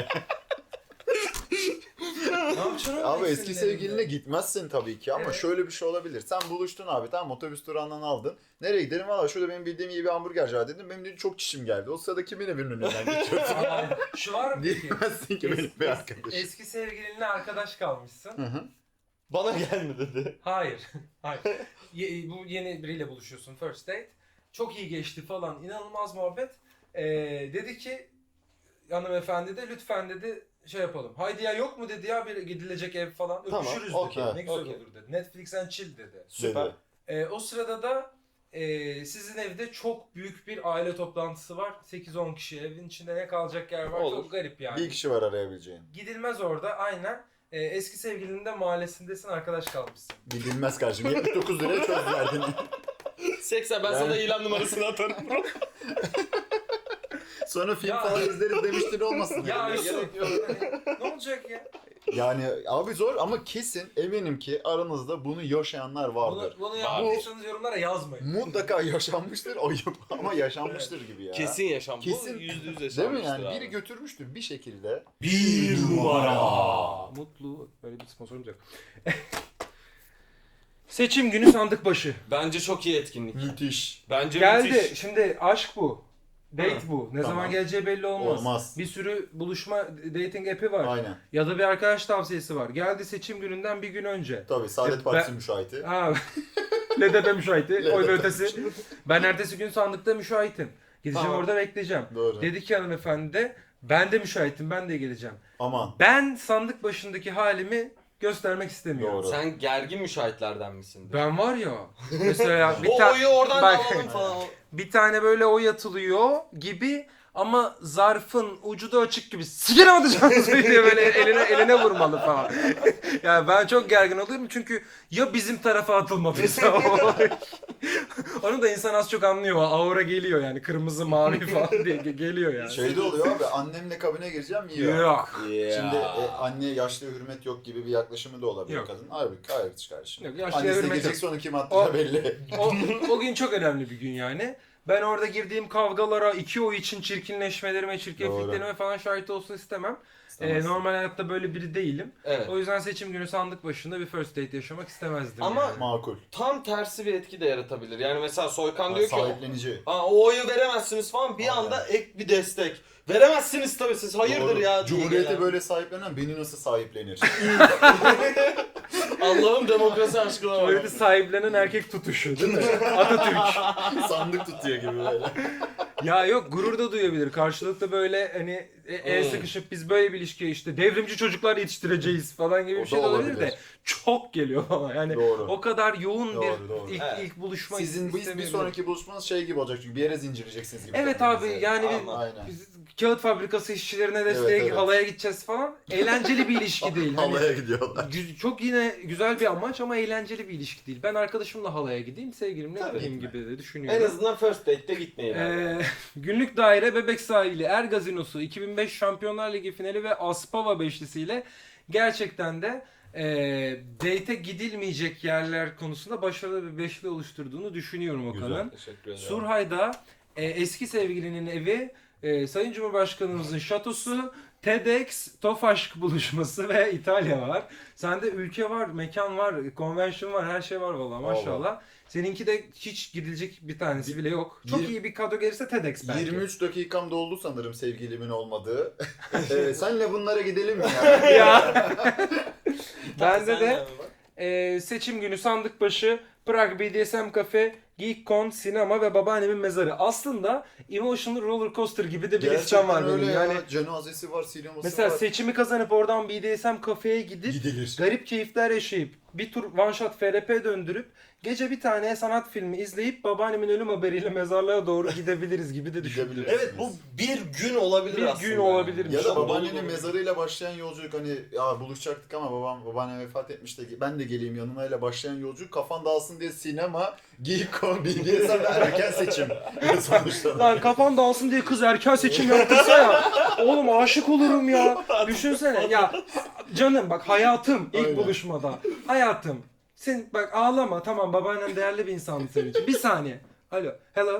Speaker 1: Ne yapacaksın oğlum
Speaker 2: Abi
Speaker 1: eksin
Speaker 2: eski
Speaker 1: elinde?
Speaker 2: sevgiline gitmezsin tabii ki ama
Speaker 1: Evet.
Speaker 2: şöyle bir şey olabilir. Sen buluştun abi, tamam, otobüs durağından aldın. Nereye gidelim? Valla şurada benim bildiğim iyi bir hamburgerci var dedim. Benim dedi çok çişim geldi. O sırada kimin evinin önünden geçiyorsun?
Speaker 1: Aa, şu var mı peki?
Speaker 2: Diyemezsin ki benim
Speaker 1: Es-
Speaker 2: bir
Speaker 1: es-
Speaker 2: arkadaş.
Speaker 1: Eski sevgilinle arkadaş kalmışsın.
Speaker 2: Hı hı.
Speaker 3: Bana gelme dedi.
Speaker 1: Hayır. Hayır. Ye- bu yeni biriyle buluşuyorsun first date. Çok iyi geçti falan. İnanılmaz muhabbet. Ee, dedi ki hanımefendi de lütfen dedi şey yapalım. Haydi ya yok mu dedi ya bir gidilecek ev falan.
Speaker 3: Tamam,
Speaker 1: Öpüşürüz
Speaker 3: okey,
Speaker 1: dedi. Ne güzel
Speaker 3: okey.
Speaker 1: olur dedi. Netflix and chill dedi.
Speaker 3: Süper.
Speaker 2: Dedi.
Speaker 1: Ee, o sırada da e, sizin evde çok büyük bir aile toplantısı var. sekiz on kişi evin içinde ne kalacak yer var.
Speaker 3: Olur.
Speaker 1: Çok garip yani.
Speaker 2: Bir kişi var arayabileceğin.
Speaker 1: Gidilmez orada aynen. Ee, eski sevgilinin de mahallesindesin arkadaş kalmışsın.
Speaker 2: Gidilmez kardeşim. yetmiş dokuz liraya çözdüler.
Speaker 3: Seksen ben
Speaker 2: Yani-
Speaker 3: sana ilan numarasını atarım.
Speaker 2: Sonra film
Speaker 1: Ya.
Speaker 2: falan izleriz demiştin olmasın.
Speaker 1: Ya
Speaker 2: yani.
Speaker 1: Yusuf
Speaker 2: Gerek yok.
Speaker 1: hani, ne olacak ya?
Speaker 2: Yani abi zor ama kesin eminim ki aranızda bunu yaşayanlar vardır.
Speaker 1: Bunu, bunu yaptıysanız yorumlara yazmayın.
Speaker 2: Mutlaka yaşanmıştır ayıp ama yaşanmıştır gibi ya.
Speaker 3: Kesin yaşam.
Speaker 2: Kesin.
Speaker 3: Bu yüzde yüz
Speaker 2: Değil
Speaker 3: yaşanmıştır
Speaker 2: mi yani?
Speaker 3: abi.
Speaker 2: Biri götürmüştür bir şekilde.
Speaker 3: Bir numara.
Speaker 1: Mutlu. Böyle bir sponsorumuz yok. Seçim günü sandık başı.
Speaker 3: Bence çok iyi etkinlik.
Speaker 2: Müthiş.
Speaker 3: Bence
Speaker 1: Geldi.
Speaker 3: müthiş.
Speaker 1: Şimdi aşk bu. Date
Speaker 3: Ha,
Speaker 1: bu. Ne
Speaker 2: tamam.
Speaker 1: zaman geleceği belli olmaz.
Speaker 2: Olmaz.
Speaker 1: Bir sürü buluşma dating app'i var.
Speaker 2: Aynen.
Speaker 1: Ya da bir arkadaş tavsiyesi var. Geldi seçim gününden bir gün önce.
Speaker 2: Tabii Saadet
Speaker 1: E,
Speaker 2: Partisi
Speaker 1: ben-
Speaker 2: müşahiti.
Speaker 1: Ha. L D P müşahiti. Oy
Speaker 2: L D P
Speaker 1: ve ötesi. Ben ertesi gün sandıkta müşahitim. Gideceğim
Speaker 3: Tamam.
Speaker 1: orada bekleyeceğim.
Speaker 2: Doğru.
Speaker 1: Dedi ki hanımefendi de ben de müşahitim ben de geleceğim.
Speaker 2: Aman.
Speaker 1: Ben sandık başındaki halimi göstermek istemiyorum.
Speaker 2: Doğru.
Speaker 3: Sen gergin müşahitlerden misin?
Speaker 1: Ben var ya mesela bir,
Speaker 3: o
Speaker 1: ta-
Speaker 3: oyu oradan
Speaker 1: Bak-
Speaker 3: da alalım falan.
Speaker 1: bir tane böyle oy atılıyor gibi ama zarfın ucu da açık gibi sikerim atacağınız diye böyle eline eline vurmalı falan. Yani ben çok gergin oluyorum çünkü ya bizim tarafa atılmadıysa o oy, Onu da insan az çok anlıyor. O aura geliyor yani. Kırmızı, mavi falan diye ge- geliyor yani.
Speaker 2: Şey de oluyor abi, annemle kabine gireceğim yiyor.
Speaker 1: Yok.
Speaker 2: Şimdi e, anne yaşlıya hürmet yok gibi bir yaklaşımı da olabilir
Speaker 1: Yok.
Speaker 2: kadın. Hayır, hayır kardeşim.
Speaker 1: Yok, yaşlıya
Speaker 2: Annesine
Speaker 1: hürmet
Speaker 2: girecek
Speaker 1: yok.
Speaker 2: sonra kim attığı
Speaker 1: O-
Speaker 2: belli.
Speaker 1: O, o gün çok önemli bir gün yani. Ben orada girdiğim kavgalara, iki oy için çirkinleşmelerime, çirkefliklerime falan şahit olsun istemem. Ee, normal hayatta böyle biri değilim.
Speaker 3: Evet.
Speaker 1: O yüzden seçim günü sandık başında bir first date yaşamak istemezdim.
Speaker 3: Ama-
Speaker 1: yani.
Speaker 2: Makul.
Speaker 3: Tam tersi bir etki de yaratabilir. Yani mesela Soykan diyor ki
Speaker 2: Sahiplenici.
Speaker 3: Aa, o oyu veremezsiniz falan, bir
Speaker 2: Aynen.
Speaker 3: anda ek bir destek. Veremezsiniz tabii, siz hayırdır
Speaker 2: Doğru.
Speaker 3: ya diye
Speaker 2: Cumhuriyeti
Speaker 3: gelen.
Speaker 2: böyle sahiplenen beni nasıl sahiplenir?
Speaker 3: Allah'ım demokrasi aşkına bak.
Speaker 1: Cumhuriyeti sahiplenen erkek tutuşu değil mi? Atatürk.
Speaker 2: Sandık tutuyor gibi böyle.
Speaker 1: Ya yok, gurur da duyabilir. Karşılıklı böyle hani e- el
Speaker 3: Hmm.
Speaker 1: sıkışıp biz böyle bir ilişkiye işte devrimci çocuklar yetiştireceğiz falan gibi
Speaker 2: O
Speaker 1: bir
Speaker 2: da
Speaker 1: şey de olabilir
Speaker 2: olabilir.
Speaker 1: de çok geliyor bana. Yani
Speaker 2: Doğru.
Speaker 1: o kadar yoğun
Speaker 2: Doğru,
Speaker 1: bir
Speaker 2: doğru.
Speaker 1: ilk
Speaker 3: Evet.
Speaker 1: ilk buluşma
Speaker 2: Sizin biz bir
Speaker 1: istemeyebilirim.
Speaker 2: sonraki buluşmanız şey gibi olacak çünkü bir yere zincirleyeceksiniz gibi.
Speaker 1: Evet abi,
Speaker 2: kendinizi.
Speaker 1: yani bir-
Speaker 3: Ama-
Speaker 2: Aynen.
Speaker 1: Biz kağıt fabrikası işçilerine desteğe
Speaker 2: Evet, evet.
Speaker 1: halaya gideceğiz falan. Eğlenceli bir ilişki değil. Hani
Speaker 2: Halaya gidiyorlar.
Speaker 1: gü- çok yine güzel bir amaç ama eğlenceli bir ilişki değil. Ben arkadaşımla halaya gideyim, sevgilimle
Speaker 3: Tabii
Speaker 1: gideyim
Speaker 2: ki.
Speaker 1: gibi de
Speaker 3: En
Speaker 1: düşünüyorum.
Speaker 3: azından first date'te gitmeyin. abi.
Speaker 1: Ee, günlük daire Bebek Sahili, Er Gazinosu, iki bin beş Şampiyonlar Ligi finali ve Aspava beşlisiyle gerçekten de e, date'e gidilmeyecek yerler konusunda başarılı bir beşli oluşturduğunu düşünüyorum Okan'ın.
Speaker 3: Teşekkür ederim.
Speaker 1: Surhay'da e, eski sevgilinin evi, e, Sayın Cumhurbaşkanımızın şatosu, TEDx, Tofaşk buluşması ve İtalya var. Sende ülke var, mekan var, convention var, her şey var vallahi maşallah. Seninki de hiç gidilecek bir tanesi bile yok. Çok
Speaker 2: Yirmi-
Speaker 1: iyi bir kadro gelirse TEDx belki.
Speaker 2: yirmi üç dakikam doldu sanırım sevgilimin olmadığı. ee, senle bunlara gidelim mi ya?
Speaker 1: Ya.
Speaker 3: Tamam,
Speaker 1: Bende
Speaker 3: sen
Speaker 1: de
Speaker 3: abi bak.
Speaker 1: e, seçim günü sandık başı, Prag B D S M Cafe, GeekCon, sinema ve babaannemin mezarı. Aslında Emotional Roller Coaster gibi de bir listem var
Speaker 2: öyle
Speaker 1: benim.
Speaker 2: ya.
Speaker 1: Yani
Speaker 2: Cenazesi var, sineması
Speaker 1: mesela
Speaker 2: var.
Speaker 1: seçimi kazanıp oradan B D S M Cafe'ye gidip
Speaker 2: Gidilir.
Speaker 1: garip keyifler yaşayıp bir tur one shot F R P döndürüp gece bir tane sanat filmi izleyip babaannemin ölüm haberiyle mezarlığa doğru gidebiliriz gibi de düşünüyorum.
Speaker 2: Gidebiliriz.
Speaker 3: Evet, bu bir gün olabilir
Speaker 1: Bir
Speaker 3: aslında.
Speaker 1: gün olabilir.
Speaker 2: Ya da
Speaker 1: Çok
Speaker 2: babaannenin
Speaker 3: dolu dolu.
Speaker 2: mezarıyla başlayan yolculuk, hani ya buluşacaktık ama babam babaannem vefat etmiş de ben de geleyim yanına ile başlayan yolculuk, kafan dağılsın diye sinema, Geekcon, B D S M ve erken seçim sonuçta.
Speaker 1: Lan kafan dağılsın diye kız erken seçim yaptırsa ya. Oğlum aşık olurum ya. Düşünsene ya, canım bak, hayatım ilk
Speaker 2: Aynen.
Speaker 1: buluşmada. Hayatım. Sen bak ağlama, tamam, babaannen değerli bir insandı senin için. Bir saniye. Alo. Hello.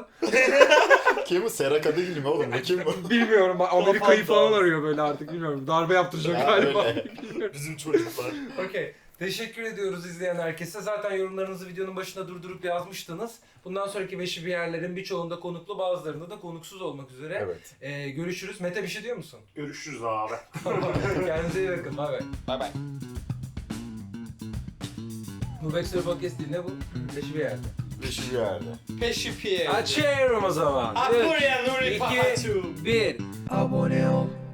Speaker 2: Kim bu? Sera Kadıgil mi oğlum? Bu kim bu?
Speaker 1: Bilmiyorum. Amerika'yı
Speaker 3: Kafam
Speaker 1: falan
Speaker 3: dağılsın.
Speaker 1: arıyor böyle artık, bilmiyorum. Darbe yaptıracak
Speaker 2: Ha,
Speaker 1: galiba.
Speaker 2: öyle.
Speaker 1: Bilmiyorum.
Speaker 2: Bizim çocuklar.
Speaker 1: Okey. Teşekkür ediyoruz izleyen herkese. Zaten yorumlarınızı videonun başına durdurup yazmıştınız. Bundan sonraki beşi bir yerlerin birçoğunda konuklu, bazılarında da konuksuz olmak üzere.
Speaker 2: Evet.
Speaker 1: Ee, görüşürüz. Mete bir şey diyor musun?
Speaker 4: Görüşürüz abi.
Speaker 1: Kendinize iyi bakın. Bay bay.
Speaker 3: Bay bay.
Speaker 1: Bu Backstory Podcast değil, ne bu? Beşi bir yerde.
Speaker 2: Beşi bir yerde.
Speaker 3: Peşi piye.
Speaker 1: Açıyorum o zaman.
Speaker 3: Akuria Nuri
Speaker 1: İki,
Speaker 3: Pahatu.
Speaker 1: bir. Abone ol.